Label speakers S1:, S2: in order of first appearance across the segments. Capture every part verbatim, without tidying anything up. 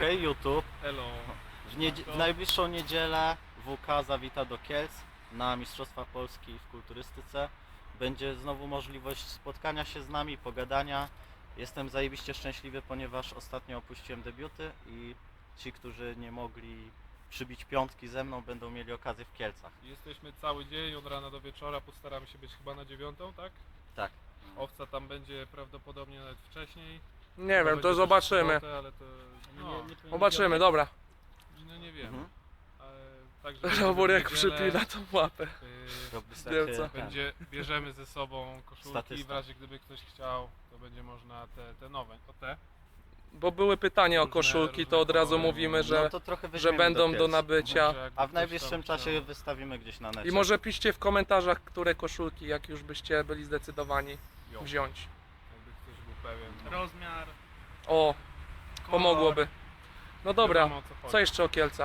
S1: Hej YouTube,
S2: Hello.
S1: w, niedzie- w najbliższą niedzielę W K zawita do Kielc na Mistrzostwa Polski w kulturystyce. Będzie znowu możliwość spotkania się z nami, pogadania. Jestem zajebiście szczęśliwy, ponieważ ostatnio opuściłem debiuty i ci, którzy nie mogli przybić piątki ze mną, będą mieli okazję w Kielcach.
S2: Jesteśmy cały dzień, od rana do wieczora, postaramy się być chyba na dziewiątą, tak?
S1: Tak.
S2: Owca tam będzie prawdopodobnie nawet wcześniej.
S3: Nie
S2: Chyba
S3: wiem,
S2: będzie
S3: to
S2: też w
S3: zobaczymy.
S2: sobotę, ale to, no,
S3: Zobaczymy, dobra.
S2: no nie wiem.
S1: Mhm.
S2: Ale, także
S3: Robór jak
S2: w niedzielę,
S3: przypina tą łapę.
S2: y,
S1: Robisz
S3: Wielce.
S1: takie-
S2: będzie, bierzemy ze sobą koszulki,
S1: Statysta.
S2: w razie gdyby ktoś chciał, to będzie można te, te nowe, o te.
S3: Bo były pytania o
S2: Różne-
S3: koszulki, to
S2: różne
S3: od razu
S2: kolory.
S3: mówimy,
S1: No
S3: że,
S1: to trochę
S3: że
S1: weźmiemy
S3: będą
S1: do
S3: do
S1: Kielc.
S3: nabycia.
S2: Może jakby
S1: A w
S2: ktoś
S1: najbliższym
S2: tam
S1: czasie
S2: chciał.
S1: wystawimy gdzieś na necie.
S3: I może piszcie w komentarzach, które koszulki, jak już byście byli zdecydowani
S2: Jo,
S3: wziąć.
S2: jakby ktoś był pewien. No.
S4: Rozmiar,
S3: O, pomogłoby. No dobra,
S2: Wiadomo, o co chodzi.
S3: co jeszcze o Kielcach?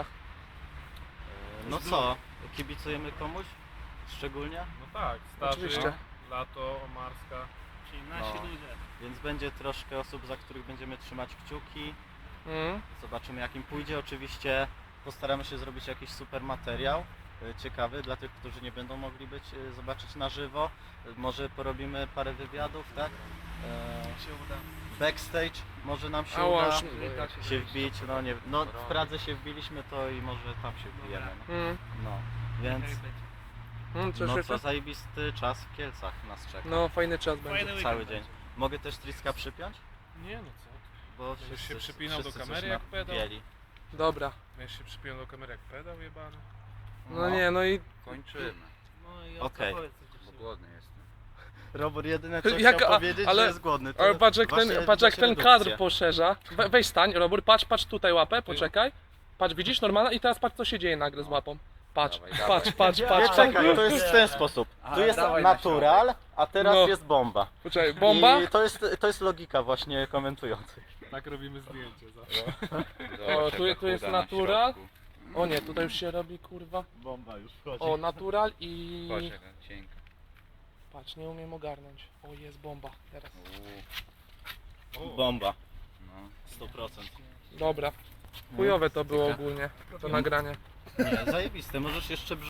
S1: No co, kibicujemy komuś? Szczególnie?
S2: No tak, starzy,
S3: Oczywiście.
S2: lato, Omarska.
S4: czyli nasi
S1: No.
S4: ludzie.
S1: Więc będzie troszkę osób, za których będziemy trzymać kciuki.
S3: Mm?
S1: Zobaczymy jak im pójdzie. Oczywiście postaramy się zrobić jakiś super materiał e, ciekawy dla tych, którzy nie będą mogli być, e, zobaczyć na żywo. E, Może porobimy parę wywiadów, tak? E,
S4: się uda.
S1: Backstage może nam się
S3: Ała,
S1: uda
S3: aż-
S1: się wbić. No nie, no w Pradze się wbiliśmy, to i może tam się wbijemy. No,
S3: Mm?
S1: no. Więc
S3: Mm, coś
S1: no
S3: jeszcze?
S1: co zajebisty czas w Kielcach nas czeka.
S3: No, fajny czas
S4: Fajny
S3: będzie.
S4: weekend
S1: Cały
S4: będzie.
S1: dzień. Mogę też Triska przypiąć?
S2: Nie no co?
S1: Bo
S2: Będziesz
S1: wszyscy,
S2: się przypinał do
S1: wszyscy coś
S2: kamery jak pedał?
S1: napieli.
S3: Dobra.
S2: Będziesz się przypiął do kamery jak pedał jebany.
S3: No nie, no i
S5: Kończymy,
S4: No i
S1: Okej.
S4: okay. powiedz coś
S5: bo
S4: jeszcze.
S5: głodny jestem.
S1: Robert jedyne co
S3: Jak-
S1: chciał
S3: a-
S1: powiedzieć,
S3: ale-
S1: że jest głodny. To
S3: ale patrz jak ten,
S1: właśnie
S3: patrz jak
S1: widać
S3: ten
S1: redukcję.
S3: kadr poszerza. We, weź stań, Robór, patrz, patrz tutaj łapę, poczekaj. Patrz, widzisz normalna i teraz patrz co się dzieje nagle z łapą. Patrz,
S5: Dawaj,
S3: patrz,
S5: dawaj.
S3: patrz,
S1: Nie,
S3: patrz.
S1: czekaj, to jest w ten sposób.
S5: Aha,
S1: Tu jest
S5: dawaj na
S1: natural, a teraz
S3: No.
S1: jest bomba.
S3: Poczekaj, bomba?
S1: I to jest, to jest logika właśnie komentujących.
S2: Tak robimy zdjęcie zawsze.
S3: O, tu- tu jest natural. O nie, tutaj już się robi kurwa.
S1: Bomba już wchodzi.
S3: O, natural i...
S5: Patrz jaka cienka.
S3: Patrz, nie umiem ogarnąć. O, jest bomba teraz.
S5: Uuu,
S1: Bomba,
S5: no.
S1: sto procent.
S3: Dobra. Chujowe to było ogólnie, to nagranie.
S1: Nie, zajebiste, możesz jeszcze